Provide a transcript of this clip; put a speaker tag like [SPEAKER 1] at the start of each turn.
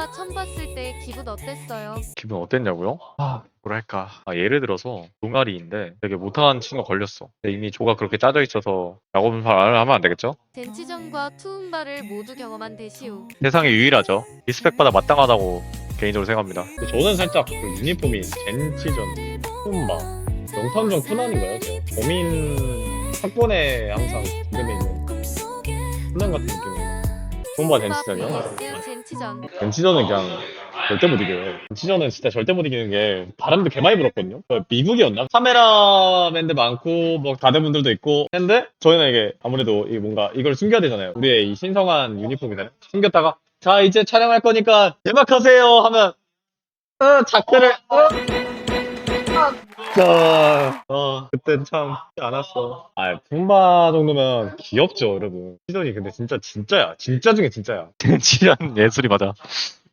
[SPEAKER 1] 푸음바 처음 봤을 때 기분 어땠어요?
[SPEAKER 2] 기분 어땠냐고요? 뭐랄까. 예를 들어서 동아리인데 되게 못하는 친구가 걸렸어. 근데 이미 조가 그렇게 짜져 있어서 라고 말을 하면 안 되겠죠?
[SPEAKER 1] 젠치전과 투움바를 모두 경험한 대시우.
[SPEAKER 2] 세상에 유일하죠. 리스펙받아 마땅하다고 개인적으로 생각합니다. 저는 살짝 그 유니폼이 젠치전, 푸음바, 명탐정 코난인가요? 범인 사건에 항상 주변에 있는 코난 같은 느낌이에요. 푸음바 젠치전이요?
[SPEAKER 1] vs 젠치전.
[SPEAKER 2] 젠치전은 그냥 절대 못 이겨요. 젠치전은 진짜 절대 못 이기는 게 바람도 개 많이 불었거든요. 미국이었나? 카메라맨들 많고 뭐 가드분들도 있고 했는데 저희는 이게 아무래도 이 뭔가 이걸 숨겨야 되잖아요. 우리의 이 신성한 유니폼이잖아요. 숨겼다가 자 이제 촬영할 거니까 대박하세요 하면 작대를 그땐 참 쉽지 않았어. 품바 정도면 귀엽죠, 여러분. 시전이 근데 진짜 진짜야. 진짜 중에 진짜야. 진짜 예술이 맞아.